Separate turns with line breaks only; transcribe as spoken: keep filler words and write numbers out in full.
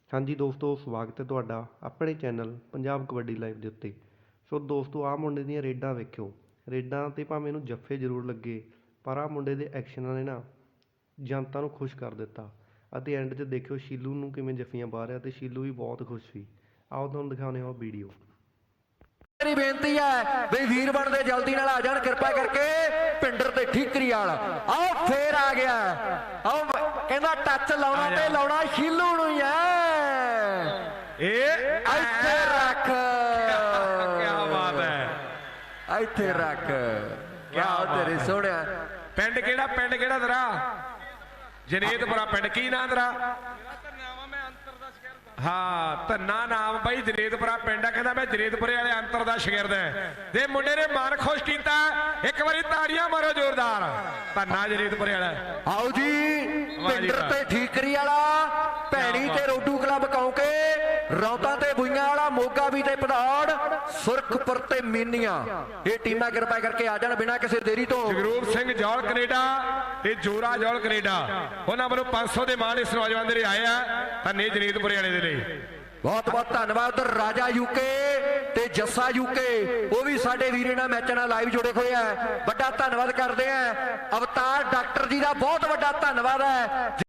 ਹਾਂਜੀ ਦੋਸਤੋ, ਸਵਾਗਤ ਹੈ ਤੁਹਾਡਾ ਆਪਣੇ ਚੈਨਲ ਪੰਜਾਬ ਕਬੱਡੀ ਲਾਈਵ ਦੇ ਉੱਤੇ। ਸੋ ਦੋਸਤੋ, ਆਹ ਮੁੰਡੇ ਦੀਆਂ ਰੇਡਾਂ ਵੇਖਿਓ। ਰੇਡਾਂ 'ਤੇ ਭਾਵੇਂ ਇਹਨੂੰ ਜੱਫੇ ਜ਼ਰੂਰ ਲੱਗੇ, ਪਰ ਆਹ ਮੁੰਡੇ ਦੇ ਐਕਸ਼ਨਾਂ ਨੇ ਨਾ ਜਨਤਾ ਨੂੰ ਖੁਸ਼ ਕਰ ਦਿੱਤਾ। ਅਤੇ ਐਂਡ 'ਚ ਦੇਖਿਓ ਸ਼ੀਲੂ ਨੂੰ ਕਿਵੇਂ ਜੱਫੀਆਂ ਪਾ ਰਿਹਾ, ਅਤੇ ਸ਼ੀਲੂ ਵੀ ਬਹੁਤ ਖੁਸ਼ ਸੀ। ਆਓ ਤੁਹਾਨੂੰ ਦਿਖਾਉਂਦੇ ਹਾਂ ਉਹ ਵੀਡੀਓ।
ਮੇਰੀ ਬੇਨਤੀ ਹੈ ਵੀ ਵੀਰ ਬਣਦੇ ਜਲਦੀ ਨਾਲ ਆ ਜਾਣ ਕਿਰਪਾ ਕਰਕੇ। ਪਿੰਡਰ ਤੇ ਠੀਕਰੀ ਵਾਲਾ ਆਓ ਫੇਰ ਆ ਗਿਆ। ਆਓ ਕਹਿੰਦਾ ਟੱਚ ਲਾਉਣਾ ਤੇ ਲਾਉਣਾ ਸ਼ੀਲੂ ਨੂੰ ਹੀ ਹੈ। ਇਹ ਇੱਥੇ ਰੱਖ,
ਕੀ ਬਾਤ ਹੈ,
ਇੱਥੇ ਰੱਖ। ਕਿਆ ਤੇਰੇ ਸੋਹਣਿਆ।
ਪਿੰਡ ਕਿਹੜਾ? ਪਿੰਡ ਕਿਹੜਾ ਤੇਰਾ? ਜਨੇਤਪੁਰਾ ਪਿੰਡ। ਕੀ ਨਾਂ ਤੇਰਾ? ਹਾਂ, ਧੰਨਾ ਨਾਮ ਬਾਈ। ਜਨੇਤਪੁਰਾ ਪਿੰਡ ਆ। ਕਹਿੰਦਾ ਮੈਂ ਜਨੇਤਪੁਰੇ ਵਾਲੇ ਅੰਤਰ ਦਾ ਸ਼ਾਗਿਰਦ ਹੈ। ਤੇ ਮੁੰਡੇ ਨੇ ਮਨ ਖੁਸ਼ ਕੀਤਾ। ਇੱਕ ਵਾਰੀ ਤਾੜੀਆਂ ਮਾਰੋ ਜ਼ੋਰਦਾਰ। ਧੰਨਾ ਜਨੇਤਪੁਰੇ ਵਾਲਾ।
ਆਓ ਜੀ, ਪਿੰਡਰ ਤੇ ਠੀਕਰੀ ਵਾਲਾ, ਭੈਣੀ ਤੇ ਰੋਡੂ ਕਲੱਬ ਕੌਂਕੇ, ਰੌਤਾ ਤੇ ਬੁਈਆਂ ਵਾਲਾ, ਮੋਗਾ ਵੀ ਤੇ ਪਧੌੜ, ਸੁਰਖਪੁਰ ਤੇ ਮੀਨੀਆਂ। ਇਹ ਟੀਮਾਂ ਕਿਰਪਾ ਕਰਕੇ ਆ ਜਾਣ ਬਿਨਾਂ ਕਿਸੇ ਦੇਰੀ ਤੋਂ।
ਜਗਰੂਪ ਸਿੰਘ ਜੌਲ ਕੈਨੇਡਾ ਤੇ ਜੋਰਾ ਜੌਲ ਕੈਨੇਡਾ, ਉਹਨਾਂ ਵੱਲੋਂ ਪੰਜ ਸੌ ਦੇ ਮਾਣ ਇਸ ਨੌਜਵਾਨ ਦੇ ਲਈ ਆਏ ਆ। ਧੰਨੇ ਜਨੇਤਪੁਰੇ ਵਾਲੇ ਦੇ ਲਈ
ਬਹੁਤ ਬਹੁਤ ਧੰਨਵਾਦ। ਰਾਜਾ ਯੂਕੇ ਤੇ ਜੱਸਾ ਯੂਕੇ, ਉਹ ਵੀ ਸਾਡੇ ਵੀਰੇ ਨਾਲ ਮੈਚ ਨਾਲ ਲਾਈਵ ਜੁੜੇ ਹੋਏ ਆ। ਵੱਡਾ ਧੰਨਵਾਦ ਕਰਦੇ ਆ। ਅਵਤਾਰ ਡਾਕਟਰ ਜੀ ਦਾ ਬਹੁਤ ਵੱਡਾ ਧੰਨਵਾਦ ਹੈ।